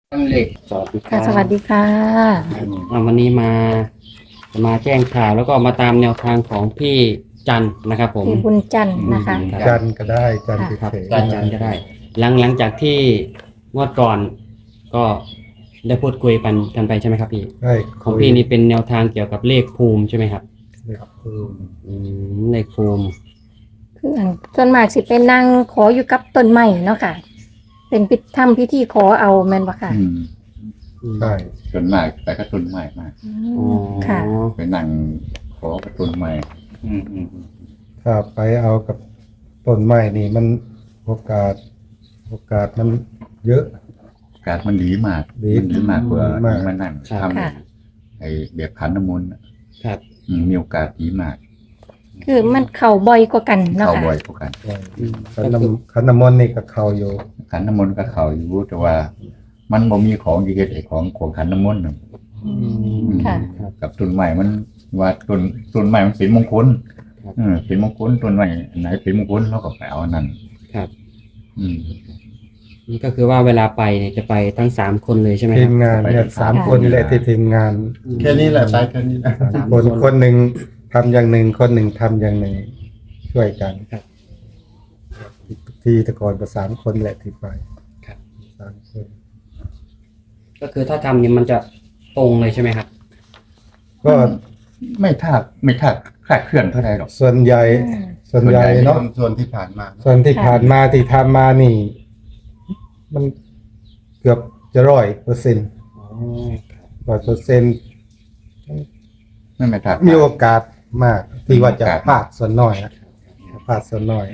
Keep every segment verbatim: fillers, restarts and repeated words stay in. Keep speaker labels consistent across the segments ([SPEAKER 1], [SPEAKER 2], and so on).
[SPEAKER 1] ตั้งเหล็ก
[SPEAKER 2] สวัสดีค
[SPEAKER 3] ค่ะ
[SPEAKER 2] รับ
[SPEAKER 3] สวัสดีค่ะ
[SPEAKER 2] อ่าวันนี้มามาแจ้งข่าวแล้วก็มาตามแนวทางของพี่จันทร์นะครับผม
[SPEAKER 3] พี่บุญจันทร์นะคะ
[SPEAKER 2] ครับ
[SPEAKER 1] จันทร์ก็ได้จันทร์
[SPEAKER 2] ครับ
[SPEAKER 1] เฉยๆ
[SPEAKER 2] พี่จันทร์ก็ได้ หลังหลังจากที่งวดก่อน ก็ได้พูดคุยกันกันไปใช่ไหมครับพี่
[SPEAKER 1] ใช่
[SPEAKER 2] ของพี่นี่เป็นแนวทางเกี่ยวกับเลขภูมิใช่ไหมครับ
[SPEAKER 1] ครับอืม
[SPEAKER 2] อืมเลขภูมิ
[SPEAKER 3] คืออันส่วนมากสิเป็นนางขออยู่กับต้นไม้เนาะค่ะ เป็นพิธีทำพิธีขอเอาแม่นบ่ค่ะ
[SPEAKER 4] อืม
[SPEAKER 1] ใช่
[SPEAKER 4] ส่วนมากไปกระตุนใหม่มาก
[SPEAKER 3] อื
[SPEAKER 2] อ๋อ
[SPEAKER 3] มค่ะ
[SPEAKER 4] ไปนั่งขอกระตุนใหม่
[SPEAKER 2] อืมอืมอืม
[SPEAKER 1] ถ้าไปเอากับต้นไม้นี่มันโอกาส โอกาสมันเยอะ
[SPEAKER 4] การมันดีมาก
[SPEAKER 1] ดี
[SPEAKER 4] มันดีมากกว่า
[SPEAKER 1] ดีมาก
[SPEAKER 4] มานั่งท
[SPEAKER 3] ค่ะ
[SPEAKER 4] ำไอ้เบียบขันน้ำมนต์น่ะ
[SPEAKER 2] ครับ
[SPEAKER 4] อืมมีโอกาสดีมาก
[SPEAKER 3] คือมันเข่าบ่อยกว่ากันเนาะ
[SPEAKER 4] เข้า
[SPEAKER 3] ค่ะ
[SPEAKER 4] บ่อยกว่ากัน
[SPEAKER 1] ขันน้ำขันน้ำมนต์นี่ก็เข้าอยู่
[SPEAKER 4] ขันน้ำมนต์ก็เข้าอยู่แต่ว่า มันบ่มีของดีเฮ็ดไอ้ของของขันน้ำมนต์น่ะ
[SPEAKER 3] อืมค่ะ
[SPEAKER 2] ครับ
[SPEAKER 4] กับต้นใหม่มันว่าต้นต้นใหม่มันเป็นมงคล
[SPEAKER 2] ครับ
[SPEAKER 4] เออเป็นมงคลต้นใหม่อันไหนเป็นมงคลเราก็ไปเอาอันนั้น
[SPEAKER 2] ครับ
[SPEAKER 4] อืม
[SPEAKER 2] นี่ก็คือว่าเวลาไปเนี่ยจะไปทั้งสามคนเลยใช่ไหมค
[SPEAKER 1] ที
[SPEAKER 2] รับ
[SPEAKER 1] มงานเนี่ย
[SPEAKER 4] ไป
[SPEAKER 1] สาม
[SPEAKER 3] ค่ะ
[SPEAKER 1] คนนี่แหละที่ทีมงาน
[SPEAKER 5] แค่นี้แหละไปแค่นี้แหละ
[SPEAKER 1] สามคนคนหนึ่งทำอย่างหนึ่งคนหนึ่งทำอย่างหนึ่งช่วยกัน
[SPEAKER 2] ครับ
[SPEAKER 1] ที่แตะกอนก็สามคนแหละที่ไป
[SPEAKER 2] ครับ
[SPEAKER 1] สามคน
[SPEAKER 2] ก็คือถ้าทำเนี่ยมันจะตรงเลยใช่ไหมครับ
[SPEAKER 1] ก็
[SPEAKER 4] ไม่ทากไม่ทากคลาดเคลื่อนเท่าไหร่หรอก
[SPEAKER 1] ส่วนใหญ่
[SPEAKER 3] อืม
[SPEAKER 1] ส่วนใหญ่
[SPEAKER 4] ส่วนใหญ่
[SPEAKER 1] เนาะ
[SPEAKER 5] ส่วนที่ผ่านมา
[SPEAKER 1] ส่วนที่ผ่านมาที่ทำมานี่ มันเกือบจะร้อยเปอร์เซ็นต์
[SPEAKER 2] อ๋อ
[SPEAKER 1] ร้อยเปอร์เซ็นต์
[SPEAKER 4] ไม่ไม่ทาก
[SPEAKER 1] มีโอกาสมาก ที่ว่าจะ
[SPEAKER 4] มีโอกาส
[SPEAKER 1] พลาดส่วนน้อยนะพลาดส่วนน้อย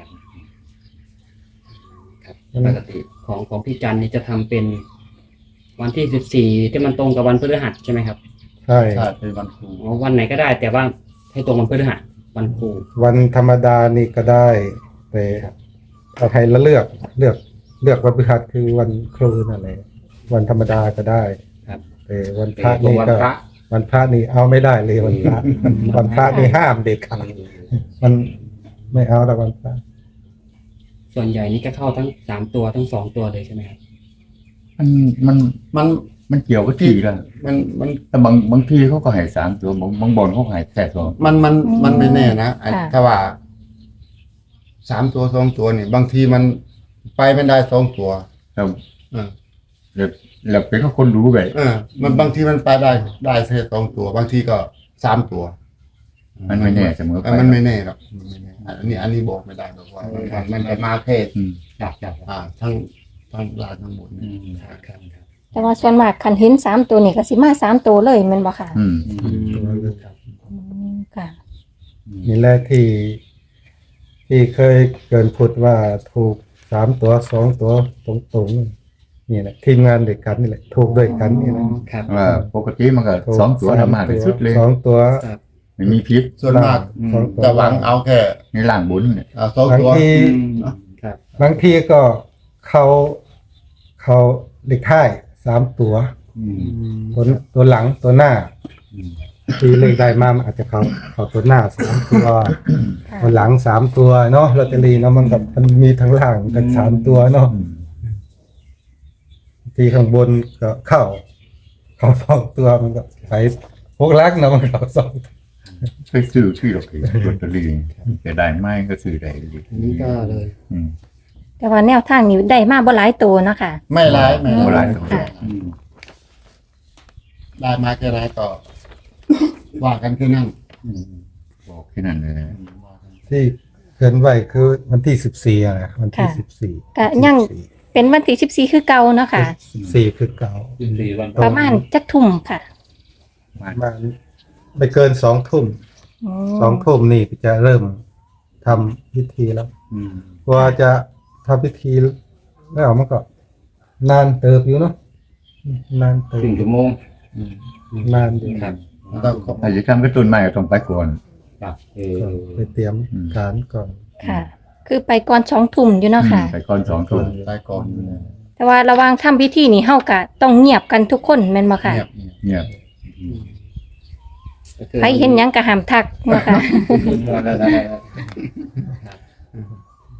[SPEAKER 2] ครับปกติของของพี่จันนี่จะทำเป็นวันที่สิบสี่ที่มันตรงกับวันพฤหัสใช่ไหมครับ
[SPEAKER 1] ใช่
[SPEAKER 5] ใช่เป็นวันครู
[SPEAKER 2] อ๋อวันไหนก็ได้ แต่ว่าให้ตรงวันพฤหัสวันครู
[SPEAKER 1] วันธรรมดานี่ก็ได้ แต่ถ้าใครละเลือกเลือกเลือกวันพฤหัสคือวันครูนั่นแหละวันธรรมดาก็ได้
[SPEAKER 2] ครับ
[SPEAKER 1] แต่วันพระ
[SPEAKER 2] ตรง
[SPEAKER 1] นี่
[SPEAKER 2] วัน
[SPEAKER 1] ก็
[SPEAKER 2] พระ
[SPEAKER 1] วันพระนี่เอาไม่ได้เลยวันพระวันพระนี่ห้ามเด็กขาดมันไม่เอาแต่วันพระ
[SPEAKER 2] ส่วนใหญ่นี่ก็เข้าทั้งสามตัวทั้งสองตัวเลยใช่ไหมครับ
[SPEAKER 4] มันมัน
[SPEAKER 5] มัน
[SPEAKER 4] มันเกี่ยวกับที่กัน
[SPEAKER 5] มันมัน
[SPEAKER 4] แต่บางบางทีเขาก็ให้สามตัวบางบางบอลเขาก็ให้แค่สอง
[SPEAKER 5] มันมันมันไม่แน่นะไอ้
[SPEAKER 3] ค่ะ
[SPEAKER 5] ถ้าว่าสามตัวสองตัวนี่ บางทีมันไปไม่ได้สองตัว
[SPEAKER 4] แล้ว
[SPEAKER 5] เออ
[SPEAKER 4] แล้วแล้วเป็นก็คนรู้ไป
[SPEAKER 5] เออ มันบางทีมันไปได้ได้แค่สองตัว บางทีก็สามตัว
[SPEAKER 4] มันไม่แน่เสมอ
[SPEAKER 5] เอ
[SPEAKER 4] ไป
[SPEAKER 5] อมันไม่แน่หรอกมันไม่แน่อันนี้อันนี้บอกไม่ได้หรอกว่ามันมันมันจะมาแค่
[SPEAKER 4] อืม
[SPEAKER 2] ครับครับ
[SPEAKER 5] อ่า ทั้งทั้งลานทั้งหมด
[SPEAKER 4] อื
[SPEAKER 5] นี่
[SPEAKER 4] ม
[SPEAKER 2] ครับครับครับ
[SPEAKER 3] แต่ว่าส่วนมากคันเห็นสามตัวนี่ก็สิมาสามตัวเลยแม่นบ่ค่ะ
[SPEAKER 4] อืม
[SPEAKER 2] อืมครับ
[SPEAKER 3] อืมค่ะ
[SPEAKER 1] นี่แหละที่ ที่เคยเกินพูดว่าถูกสามตัวสองตัวตรงๆนี่แหละทีมงานเด็กกันนี่แหละถูกด้วยกันนี่แหละ
[SPEAKER 2] ครับ
[SPEAKER 4] ว่าปกติมันก็
[SPEAKER 1] ถูก
[SPEAKER 4] สองตัวธรรมะที่สุดเลย
[SPEAKER 1] สองตัว
[SPEAKER 2] ครับ
[SPEAKER 4] ไม่มีพิษ
[SPEAKER 5] ส่วนมาก
[SPEAKER 1] สองตัว
[SPEAKER 5] จะหวังเอาแค่
[SPEAKER 4] ในล่างบุญเนี่ย
[SPEAKER 5] อ่าสอง
[SPEAKER 1] บาง
[SPEAKER 5] ตัว
[SPEAKER 1] ที
[SPEAKER 2] ครับ
[SPEAKER 1] บางทีก็เขาเขาเด็กท้ายสามตัว
[SPEAKER 4] อืม
[SPEAKER 1] ตัวตัวหลังตัวหน้าที่เลขได้มามันอาจจะเขาเขาตัวหน้าสามตัว
[SPEAKER 3] ค่ะ
[SPEAKER 1] ตัวหลังสามตัวเนาะลอตเตอรี่เนาะมันกับมันมีทั้งหลังทั้งสามตัวเนาะ
[SPEAKER 4] อืม
[SPEAKER 1] ทีข้างบนก็เข้า เขาสองตัวมันก็ไปพวกลักเนาะมันเขาสอง
[SPEAKER 4] ไปซื้อชื่อเราเองลอตเตอรี่จะได้ไหมก็ซื้อได้เลย
[SPEAKER 2] อันนี้ก็เลย
[SPEAKER 4] อืม
[SPEAKER 3] แต่ว่าแนวทางนี้ได้มาบ่หลายตัวเนาะค่ะ
[SPEAKER 5] ไม่ร้ายไม่
[SPEAKER 4] โบรา
[SPEAKER 5] ร้า
[SPEAKER 4] ณ
[SPEAKER 5] ย
[SPEAKER 4] ตัว
[SPEAKER 3] ค่ะ
[SPEAKER 4] อืม
[SPEAKER 5] ได้มาแค่ร้ายต่อ ว่ากันแค่นั้น
[SPEAKER 4] อืมบอกแค่นั้นเลยนะ
[SPEAKER 1] ที่เกินไว้คือวันที่สิบสี่อะนะวันที่
[SPEAKER 3] ค่ะ
[SPEAKER 1] สิบสี่
[SPEAKER 3] ก็ยังเป็นวันที่สิบสี่คือเก่าเนาะค่ะ
[SPEAKER 1] สิบสี่คือเก่า
[SPEAKER 2] สี่วัน
[SPEAKER 3] ประมาณจักทุ่มค่ะ
[SPEAKER 1] มาไม่เกินสองทุ่ม
[SPEAKER 3] ม
[SPEAKER 1] สองทุ่มนี่จะเริ่มทำพิธีแล้ว
[SPEAKER 4] อืม
[SPEAKER 1] กว่าจะทำพิธีแล้วมันก็นานเติบอยู่เนาะนานเติบ
[SPEAKER 2] ถึงชั่วโมง
[SPEAKER 1] นานอยู่
[SPEAKER 2] ครับ
[SPEAKER 5] ต้องขอ
[SPEAKER 4] ถ้าจะทำกระตุ้นใหม่ก็ต้องไปก่อน
[SPEAKER 2] ครับเออ
[SPEAKER 1] ก็ไปเตรียมการก่อน
[SPEAKER 3] ค่ะ คือไปก่อนสองทุ่มอยู่เนาะค่ะ
[SPEAKER 4] ไปก่อนสองทุ่ม
[SPEAKER 5] ได้ก่อน
[SPEAKER 3] แต่ว่าระหว่างทำพิธีนี่เฮาก็ต้องเงียบกันทุกคนแม่นบ่ค่ะ
[SPEAKER 5] เงียบเงียบ
[SPEAKER 4] เนี่ย
[SPEAKER 2] ก็คือ
[SPEAKER 3] ใครเห็นหยังก็ห้ามทักเนาะค่ะ
[SPEAKER 2] ครับ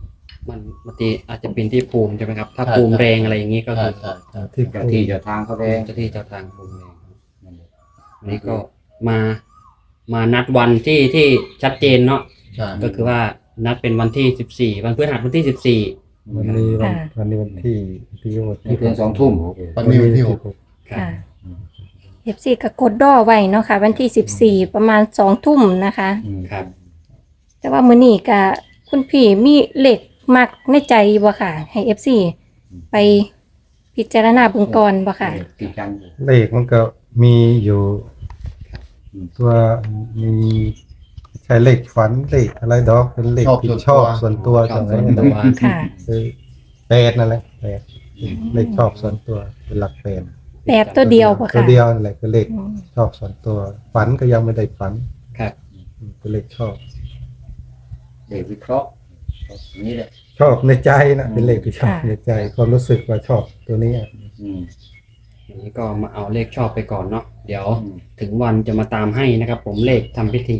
[SPEAKER 2] มันบางทีอาจจะเป็นที่ภูมิใช่ไหมครับ ถ้า
[SPEAKER 5] ใช่
[SPEAKER 2] ภูมิ
[SPEAKER 5] ใช่
[SPEAKER 2] แรงอะไรอย่างนี้ก็
[SPEAKER 5] ใช่
[SPEAKER 2] คือ
[SPEAKER 5] ใช่ใช่
[SPEAKER 1] ที่
[SPEAKER 4] เจ้าที่เจ้าทางเขาแดง
[SPEAKER 2] เจ้าที่เจ้าทางภูมิแรงอันนี้ก็มามานัดวันที่ที่ชัดเจนเนาะ
[SPEAKER 5] ใช่
[SPEAKER 2] ก็คือว่านัดเป็นวันที่สิบสี่วันพฤหัสวันที่สิบสี่
[SPEAKER 1] วันนี้วัน
[SPEAKER 3] ค่ะ
[SPEAKER 1] วันนี้วันที่ที่วัน
[SPEAKER 4] นี่เพียงสองทุ่ม
[SPEAKER 5] วันนี้วันที่หก
[SPEAKER 3] ค่ะ เอฟซีก็กดดอไว้เนาะค่ะ วันที่สิบสี่ประมาณสองทุ่มนะคะ
[SPEAKER 2] ครับ
[SPEAKER 3] แต่ว่ามื้อนี้ก็คุณพี่มีเลขมักในใจบ่ค่ะ ให้เอฟซีไปพิจารณาเบิ่งก่อนบ่ค่ะ
[SPEAKER 4] ที่จันทร์
[SPEAKER 1] เลขมันก็มีอยู่ตัวมีใช้เลขฝันเลขอะไรดอกเป็นเลขที่ชอบส่วนตัว
[SPEAKER 2] ชอบ
[SPEAKER 1] จัง
[SPEAKER 2] ส่วนตัว
[SPEAKER 3] ค่ะ
[SPEAKER 1] คือแปดนั่นแหละแปดเลขชอบส่วนตัวเป็นหลักแปด
[SPEAKER 3] แปดตัวเดียวบ่
[SPEAKER 1] ตัว
[SPEAKER 3] ค่ะ
[SPEAKER 1] เดียวนั่นแหละคือเลข
[SPEAKER 3] อืม
[SPEAKER 1] ชอบส่วนตัว ฝันก็ยังไม่ได้ฝัน
[SPEAKER 2] ครับ
[SPEAKER 1] เป็นเลขชอบ
[SPEAKER 4] เด็กวิเคราะห์นี่แหละ
[SPEAKER 1] ชอบในใจนะเป็นเลขที่ชอบ
[SPEAKER 3] ค่ะ
[SPEAKER 1] ในใจความรู้สึกว่าชอบตัวนี้อะ
[SPEAKER 4] อืม
[SPEAKER 2] อันนี้ก็มาเอาเลขชอบไปก่อนเนาะเดี๋ยว
[SPEAKER 4] อืม
[SPEAKER 2] ถึงวันจะมาตามให้นะครับ ผมเลขทำพิธี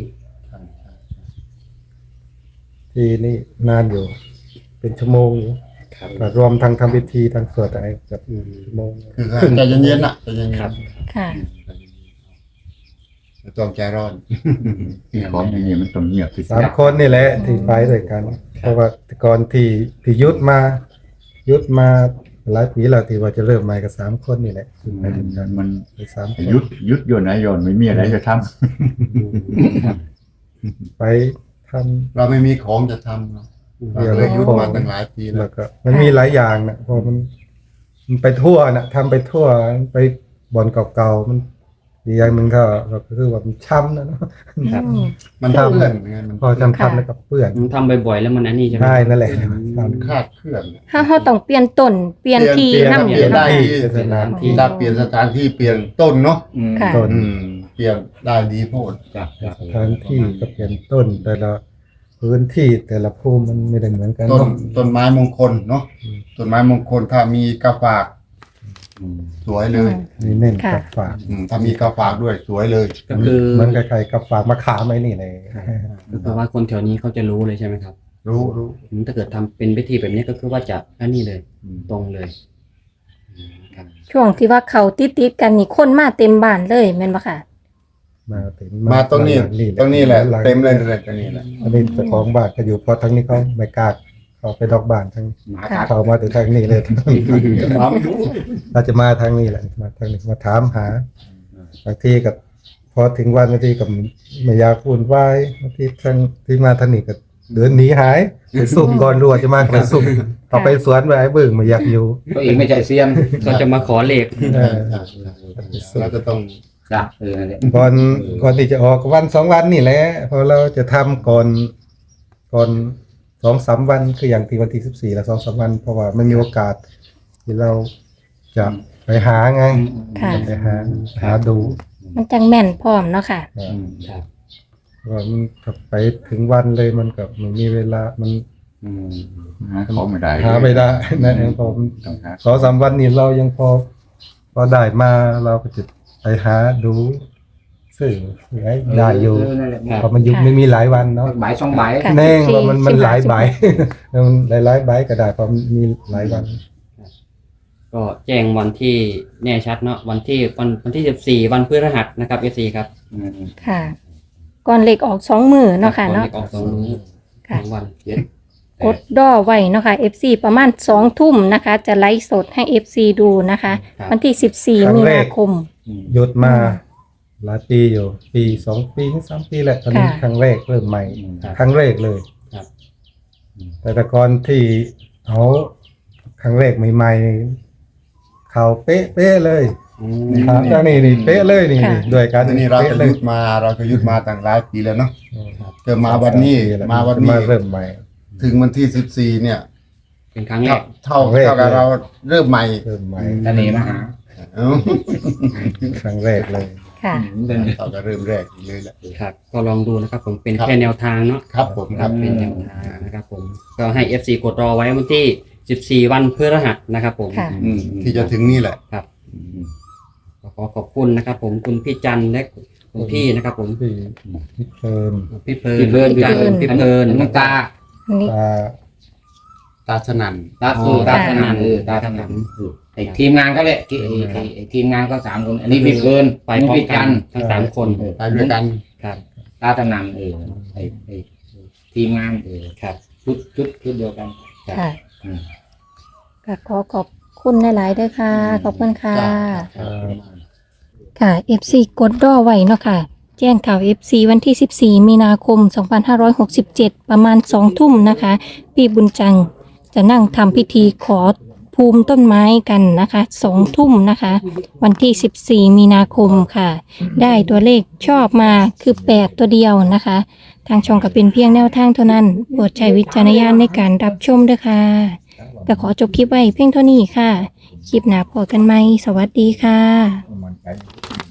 [SPEAKER 1] ที่นี่นานอยู่ เป็นชั่วโมงอยู่
[SPEAKER 2] ครับ
[SPEAKER 1] ก็รวมทั้งทำพิธีทั้งสวดอะไรเกับ
[SPEAKER 2] อืม
[SPEAKER 1] ชั่วโมง
[SPEAKER 5] คือใจเย็นๆน่ะใจเย็นๆ
[SPEAKER 2] ครับ
[SPEAKER 3] ค่ะ
[SPEAKER 5] ไม่ต้องใจร้อน
[SPEAKER 4] ที่ของอย่างนี้มันต้องเงียบที่สุ
[SPEAKER 1] สาม
[SPEAKER 4] ด
[SPEAKER 1] คนนี่แหละที่ไปด้วยกัน เพราะว่าแต่ก่อนที่ที่ยุดมา ยุดมาหลายปีแล้วที่ว่าจะเริ่มใหม่กับสามคนนี่แหละคือไปด้วยกัน
[SPEAKER 4] มัน
[SPEAKER 1] ไปสามคน
[SPEAKER 4] ยุดยุดโยนไหนโยนไม่มีอะไรจะท
[SPEAKER 1] ไปท
[SPEAKER 5] เราไม่มีของจะทำเนาะ
[SPEAKER 1] ำ
[SPEAKER 5] เราเลยยุดมาตั้งหลายปี
[SPEAKER 1] แล้
[SPEAKER 5] แล้ว ว
[SPEAKER 1] ก็มันมีหลายอย่างนะเพราะมันมันไปทั่วนะทำไปทั่วไปบ่อนเก่าๆมันอีกอย่างหนึ่งก็ก็คือว่ามันช้ำนะเนาะ
[SPEAKER 2] ครับ
[SPEAKER 3] อืม
[SPEAKER 5] มันเปื้อนไงมัน
[SPEAKER 1] พอจำทำแล้วก็เปื้อน
[SPEAKER 2] มันทำบ่อยๆแล้วมันอันนี้ใช่ไหม
[SPEAKER 1] ใช่นั่นแหละ
[SPEAKER 5] มันคลาดเคลื่อน
[SPEAKER 3] ถ้าเฮาต้องเปลี่ยนต้นเปลี่ยนที่
[SPEAKER 5] เปลี่ยน
[SPEAKER 3] นำ
[SPEAKER 5] เปลี่ยนได้
[SPEAKER 3] เนาะ
[SPEAKER 5] ที่
[SPEAKER 1] สถานที่
[SPEAKER 5] ถ้าเปลี่ยนสถานที่เปลี่ยนต้นเนาะ
[SPEAKER 4] ำอืม
[SPEAKER 3] ค่ะ
[SPEAKER 1] ต้น
[SPEAKER 5] อืมเปลี่ยนได้ดีโพด
[SPEAKER 4] จ้ะจ้ะ
[SPEAKER 1] สถานที่ก็เปลี่ยนต้น แต่ละพื้นที่แต่ละภูมิมันไม่ได้เหมือนกัน
[SPEAKER 5] ต้น
[SPEAKER 1] เนาะ
[SPEAKER 5] ต้นไม้มงคลเนาะต้นไม้มงคลถ้ามีกระฝาก
[SPEAKER 4] อืม
[SPEAKER 5] สวยเลย
[SPEAKER 1] นี่เน้น
[SPEAKER 3] ค่ะ
[SPEAKER 1] กับฝาก
[SPEAKER 5] อืมถ้ามีกระฝากด้วยสวยเลย
[SPEAKER 2] ก็คือ
[SPEAKER 1] เหมันกับใครกับฝากมาขามไอ้นี่เลย
[SPEAKER 2] ก็คือว่าคนแถวนี้เขาจะรู้เลยใช่ไหมครับ
[SPEAKER 5] รู้รู้
[SPEAKER 2] อืมถ้าเกิดทำเป็นพิธีแบบนี้ก็คือว่าจะอันนี้เลย
[SPEAKER 4] อืม
[SPEAKER 2] ตรงเลยอืมครับ
[SPEAKER 3] ช่วงที่ว่าเขาติดๆกันนี่คนมาเต็มบ้านเลยแม่นบ่ค่ะ
[SPEAKER 1] มาเต็ม
[SPEAKER 5] มาตรงนี้
[SPEAKER 1] หลั
[SPEAKER 5] ตรงนี้แหละ
[SPEAKER 1] หง
[SPEAKER 5] เต็มเลยเลยตรงนี้แหละ
[SPEAKER 1] อันนี้เจ้าของบ้านก็อยู่เพราะทั้งนี้เขาไม่กล้าเขาไปดอกบ้านทั้ง
[SPEAKER 4] หมา
[SPEAKER 3] ค่ะ
[SPEAKER 4] กัด
[SPEAKER 1] เขามาถึงทางนี้เลย
[SPEAKER 4] หมาไม่รู้
[SPEAKER 1] เราจะมาทางนี้แหละมาทางนี้มาถามหาบางทีกับพอถึงวันบางทีกับไม่อยากพูดไหวายบางทีทางที่มาทางนี้ก็เดินหนีหายไปซุ่มก่อนรัวจะมากระซุ่มต่อไปสวนไปไอ้เบิ่งไม่อยากอยู่
[SPEAKER 4] ตัวเองไม่ใช่เซียน
[SPEAKER 2] ก็จะมาขอเลข
[SPEAKER 1] เออ
[SPEAKER 5] เราจะต้อง
[SPEAKER 4] จ้ะเออนั่นแหละ
[SPEAKER 1] ก่อนก่อนที่จะออกวันสองวันนี่แหละพอเราจะทำก่อนก่อนสองสามวันคืออย่างที่วันที่สิบสี่และสองสามวัน เพราะว่าไม่มีโอกาส ที่เราจะไปหาไง
[SPEAKER 3] ค่ะ
[SPEAKER 1] จะไปหาหาดู
[SPEAKER 3] มันจังแม่นพร้อมเนาะค่ะ
[SPEAKER 4] อืม
[SPEAKER 2] ครับ
[SPEAKER 1] ว่ามันถ้าไปถึงวันเลยมันกับมันมีเวลามัน
[SPEAKER 4] อืมหาของไม่ได้
[SPEAKER 1] หาไม่ได้นั่นเองพอมัน
[SPEAKER 4] ต้องหา
[SPEAKER 1] สองสามวันนี้เรายังพอ พอได้มาเราก็จะไปหาดูสื่อให้ได้อยู่
[SPEAKER 4] เนั่นแหละ
[SPEAKER 1] เพราะมันยุคไม่มีหลายวันเนาะ
[SPEAKER 4] ใบสองใบ
[SPEAKER 3] ค่ะ
[SPEAKER 1] แน่งว่ามันมัน
[SPEAKER 3] สิบ
[SPEAKER 1] ห
[SPEAKER 3] ห้า
[SPEAKER 1] ลาย
[SPEAKER 3] สิบ
[SPEAKER 1] ใบ มันหลายหลายๆใบก็ได้เพราะมันมีหลายวัน
[SPEAKER 2] ก็แจ้งวันที่แน่ชัดเนาะวันที่วันวันที่สิบสี่วันพฤหัสนะครับเอซีครับ
[SPEAKER 4] อืม
[SPEAKER 3] ค่ะ ก่อนเลขออกสองมือเนาะค่ะ
[SPEAKER 2] ก่อ
[SPEAKER 3] เนาะ
[SPEAKER 2] ลขออกสองมื้อ
[SPEAKER 3] ค่ะ
[SPEAKER 2] สองวัน
[SPEAKER 4] เจ็ด
[SPEAKER 3] กดดอไว้เนาะค่ะ เอฟ ซี ประมาณสองทุ่มนะคะ จะไลฟ์สดให้ เอฟ ซี ดูนะคะ
[SPEAKER 2] ครับ
[SPEAKER 3] วันที่สิบสี่
[SPEAKER 1] ครั้
[SPEAKER 3] มี
[SPEAKER 1] งแรก
[SPEAKER 3] นาคม
[SPEAKER 4] อืม
[SPEAKER 1] หยุดมาหลายปีอยู่ ปีสองปีถึงสามปีแหละตอนนี้
[SPEAKER 3] ค่ะ
[SPEAKER 1] ครั้งแรกเริ่มใหม่
[SPEAKER 2] ครับ
[SPEAKER 1] ครั้งแรกเลย
[SPEAKER 2] ครับ
[SPEAKER 1] แต่แต่ก่อนที่เอาครั้งแรกใหม่ๆเขาเป๊ะเป๊ะๆเลย
[SPEAKER 2] อืม
[SPEAKER 1] ครับแล้วนี่นี่เป๊ะเลยนี่
[SPEAKER 3] ค่ะ
[SPEAKER 1] ด้วยกัน
[SPEAKER 5] ทีนี้เรา
[SPEAKER 1] ป๊ะ
[SPEAKER 5] ก็
[SPEAKER 1] เล
[SPEAKER 5] ยุดมาเราก็ยุดมาตั้งหลายปีแล้วเนาะ
[SPEAKER 1] ครับ
[SPEAKER 5] เกิดมาวันนี้
[SPEAKER 1] สปีแล้ว
[SPEAKER 5] มาวันนี้
[SPEAKER 1] มาเริ่มใหม่
[SPEAKER 5] ถึงวันที่สิบสี่เนี่ย
[SPEAKER 2] เป็นครั้งแร
[SPEAKER 5] เท่าก เท่า
[SPEAKER 1] ครั้งแรก
[SPEAKER 5] เท่ากับเราเริ่มใหม่
[SPEAKER 1] เริ่มใหม่
[SPEAKER 4] ทะเลมาหา
[SPEAKER 5] เอ้า
[SPEAKER 1] ครั้งแรกเลย
[SPEAKER 3] ค่ะ
[SPEAKER 4] เดิน
[SPEAKER 5] เท่ากับเริ่มแรกเลยแหละ
[SPEAKER 2] ครับ ก็ลองดูนะครับผมเป็น
[SPEAKER 5] ครับ
[SPEAKER 2] แค่แนวทางเนาะ
[SPEAKER 5] ครับผม
[SPEAKER 2] ค
[SPEAKER 5] ค
[SPEAKER 2] รั
[SPEAKER 5] รั
[SPEAKER 2] บบ เป็นแนวทางนะครับผมก็ให้ เอฟ ซี กดรอไว้วันที่สิบสี่วันพฤหัสนะครับผม
[SPEAKER 3] ค่ะ
[SPEAKER 5] อืมที่จะถึงนี่แหละ
[SPEAKER 2] ครับก็ขอขอบคุณนะครับ ผมคุณพี่จันทร์และคุณพี่นะครับ ผม
[SPEAKER 1] พี่พี่เพลิน
[SPEAKER 2] พี่เพลิน
[SPEAKER 4] พี่เพลิน
[SPEAKER 2] พี่จันทร์
[SPEAKER 3] พี่
[SPEAKER 2] พี่
[SPEAKER 3] เพลิน
[SPEAKER 2] เพลิน
[SPEAKER 4] น้องตา
[SPEAKER 3] อันนี้
[SPEAKER 1] ตา
[SPEAKER 5] ตาสนั่น
[SPEAKER 6] ตา
[SPEAKER 2] อ๋อ
[SPEAKER 6] เออตา
[SPEAKER 2] ตา
[SPEAKER 6] ส
[SPEAKER 2] สนั่
[SPEAKER 6] นั่น
[SPEAKER 2] น
[SPEAKER 6] เออตาสนั่นเออไอ้ทีมงานเขาแหละที่ไอ้ไอ้ไอ้ทีมงานเขาสามคน อันนี้พี่เกิน
[SPEAKER 2] ไปพร้อม
[SPEAKER 6] พี่
[SPEAKER 2] กั
[SPEAKER 6] จั
[SPEAKER 2] น
[SPEAKER 6] นทร์
[SPEAKER 2] ทั้งสามคน
[SPEAKER 6] เออ
[SPEAKER 5] ไปด้วยกัน
[SPEAKER 2] ครับ
[SPEAKER 6] ตาสนั่นเออไอ้ไอ้ทีมงานเออ
[SPEAKER 2] ครับ
[SPEAKER 6] ชุดชุดชุดเดียวกัน
[SPEAKER 3] ค่ะ
[SPEAKER 6] อืม
[SPEAKER 3] ก็ขอขอบคุณหลายๆด้วยค่ะ ขอบคุณค่ะ
[SPEAKER 5] จ้ะ
[SPEAKER 3] ค่ะ เอฟ ซี กดรอไว้เนาะค่ะ แจ้งข่าว เอฟ ซี วันที่ สิบสี่ มีนาคม สองพันห้าร้อยหกสิบเจ็ด ประมาณ สอง ทุ่มนะคะ พี่บุญจังจะนั่งทำพิธีขอภูมิต้นไม้กันนะคะ สอง ทุ่มนะคะ วันที่ สิบสี่ มีนาคมค่ะ ได้ตัวเลขชอบมาคือ แปด ตัวเดียวนะคะ ทางช่องก็เป็นเพียงแนวทางเท่านั้น โปรดใช้วิจารณญาณในการรับชมด้วยค่ะก็ขอจบคลิปไว้เพียงเท่านี้ค่ะ คลิปหน้าพบกันไหม สวัสดีค่ะ
[SPEAKER 4] มันใจ